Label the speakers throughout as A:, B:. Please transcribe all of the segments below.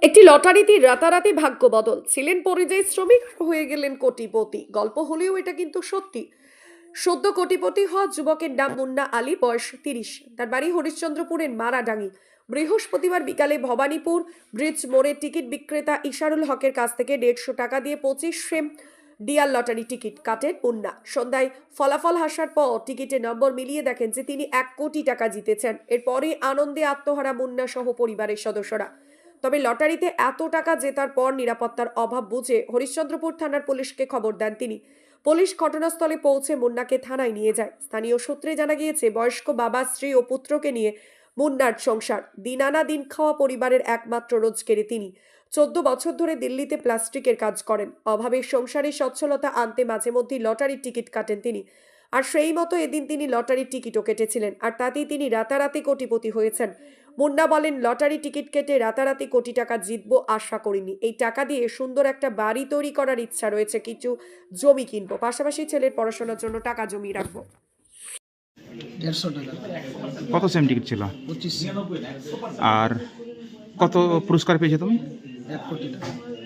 A: একটি লটারিতে রাতারাতি ভাগ্য বদল। ছিলেন পরিযায়ী শ্রমিক, হয়ে গেলেন কোটিপতি। গল্প হলেও এটা কিন্তু সত্যি। সদ্য কোটিপতি হওয়া যুবকের নাম মুন্না আলী, বয়স 30। তার বাড়ি হরিশ্চন্দ্রপুরের মারাডাঙ্গি। বৃহস্পতিবার বিকালে ভবানীপুর ব্রিজ মোড়ে টিকিট বিক্রেতা ইশারুল হকের কাছ থেকে 150 টাকা দিয়ে 25 ডিয়ার লটারি টিকিট কাটেন মুন্না। সন্ধ্যায় ফলাফল হাসার পর টিকিটের নম্বর মিলিয়ে দেখেন যে তিনি 1 কোটি টাকা জিতেছেন। এরপরে আনন্দে আত্মহারা মুন্না সহ পরিবারের সদস্যরা। তবে লটারিতে এত টাকা জেতার পর নিরাপত্তার অভাব বুঝে হরিশ্চন্দ্রপুর থানার পুলিশকে খবর দেন তিনি। পুলিশ ঘটনাস্থলে পৌঁছে মুন্নাকে থানায় নিয়ে যায়। স্থানীয় সূত্রে জানা গিয়েছে, বয়স্ক বাবা, স্ত্রী ও পুত্রকে নিয়ে মুন্নার সংসার। দিন আনা দিন খাওয়া পরিবারের একমাত্র রোজগারে তিনি। 14 বছর ধরে দিল্লিতে প্লাস্টিকের কাজ করেন। অভাবের সংসারে সচ্ছলতা আনতে মাঝে মধ্যে লটারির টিকিট কাটেন তিনি। আর সেই মতো এদিন তিনি লটারির টিকিটও কেটেছিলেন, আর তাতেই তিনি রাতারাতি কোটিপতি হয়েছেন। মুন্না বলেন, লটারি টিকিট কেটে রাতারাতি কোটি টাকা জিতবো আশা করিনি। এই টাকা দিয়ে সুন্দর একটা বাড়ি তৈরি করার ইচ্ছা রয়েছে, কিছু জমি কিনবো, পাশাপাশি ছেলের পড়াশোনার জন্য টাকা জমিয়ে রাখবো।
B: 150 টাকা।
C: কত সেম টিকিট ছিল
B: 25
C: আর কত পুরস্কার পেয়েছো তুমি?
B: 1 কোটি টাকা।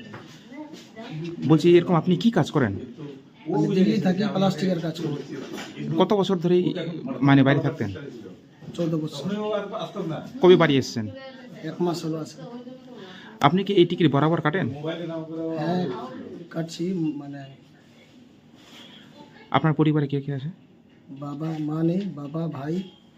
C: বলছি, এরকম আপনি কি কাজ করেন?
B: আমি দিল্লি থাকি, প্লাস্টিকের কাজ করি।
C: কত বছর ধরেই মানে বাইরে থাকতেন?
B: 14 বছর।
C: কবে বাড়ি এসেছেন?
B: 1 মাস হলো আছে।
C: আপনি কি এই টিকিট বরাবর কাটেন?
B: হ্যাঁ, কাটছি। মানে
C: আপনার পরিবারে কে কে আছে?
B: বাবা মা নেই, বাবা ভাই।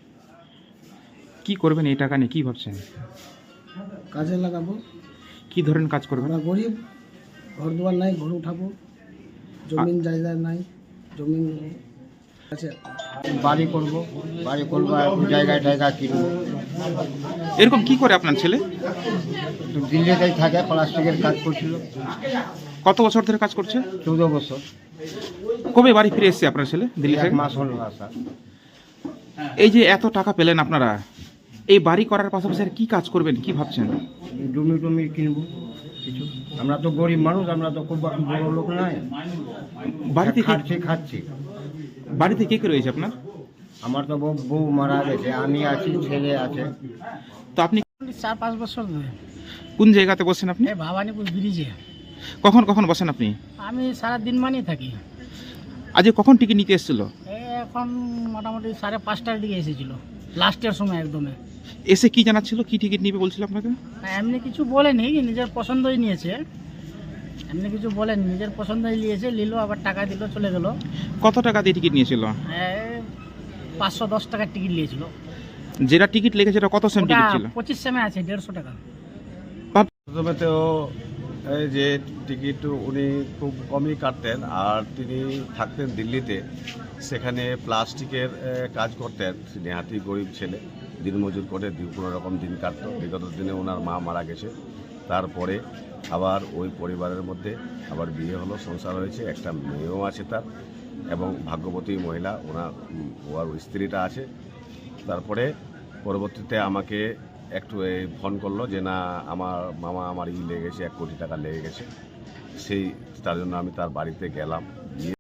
C: কি করবেন এই টাকা নিয়ে, কি ভাবছেন?
B: কাজে লাগাবো।
C: কি ধরনের কাজ করবেন?
B: আমরা গরিব, ঘর দুয়ার নাই, ঘর উঠাবো। জমিন জায়গা নাই, জমিন আছে।
D: বাড়ি করব একটু জায়গায় কিনবো।
C: এরকম কি করে আপনার ছেলে?
D: তো দিল্লিতেই থাকে, প্লাস্টিকের কাজ করছিল।
C: কত বছর ধরে কাজ করছে?
D: 14 বছর।
C: কবে বাড়ি ফিরে এসেছে আপনার ছেলে দিল্লি
D: 1
C: থেকে?
D: মাস হলো আসা।
C: এই যে এত টাকা পেলেন আপনারা, এই বাড়ি করার পাশাপাশি আর কি কাজ করবেন, কি ভাবছেন?
D: জমি কিনবো কিছু। আমরা তো গরিব মানুষ, আমরা তো খুব বড় লোক নাই।
C: বাড়িতে
D: খাচ্ছি।
C: বাড়িতে কে কে রয়েছে আপনার?
D: আমার তো বউ মারা গেছে, আমি আছি, ছেলে আছে।
C: তো আপনি
B: 4-5 বছর ধরে
C: কোন জায়গাতে বসেন আপনি?
B: এই ভবানীপুর ব্রিজে
C: কখন কখন বসেন আপনি?
B: আমি সারা দিন মানেই থাকি।
C: আজকে কখন টিকিট নিতে এসেছিল?
B: এখন মোটামুটি 5:30টার দিকে এসেছিল, লাস্টের সময় একদমে।
C: এসে কি জানাচ্ছিল, কি টিকিট নিবে বলছিল আপনাকে?
B: এমনি কিছু বলেনি, নিজের পছন্দই নিয়েছে। এমনি কিছু বলেনি, নিজের পছন্দই নিয়েছে, নিল, আবার টাকা দিল, চলে গেল।
C: কত টাকা দিয়ে টিকিট নিয়েছিল?
B: 510 টাকার টিকিট নিয়েছিল।
C: যেটা টিকিট লেগেছে সেটা কত সেম টিকিট ছিল?
B: 25 সেমে আছে, 150 টাকা।
E: প্রথমে তো এই যে টিকিট উনি খুব কমই কাটতেন, আর তিনি থাকতেন দিল্লিতে। সেখানে প্লাস্টিকের কাজ করতেন। নেহাতি গরিব ছেলে, দিনমজুর করে কোনো রকম দিন কাটত। বিগত দিনে ওনার মা মারা গেছে, তারপরে আবার ওই পরিবারের মধ্যে আবার বিয়ে হলো, সংসার হয়েছে, একটা মেয়েও আছে তার, এবং ভাগ্যবতী মহিলা ওর স্ত্রীটা আছে। তারপরে পরবর্তীতে আমাকে একটু ফোন করলো যে না, আমার লেগে গেছে, 1 কোটি টাকা লেগে গেছে। তার জন্য আমি তার বাড়িতে গেলাম।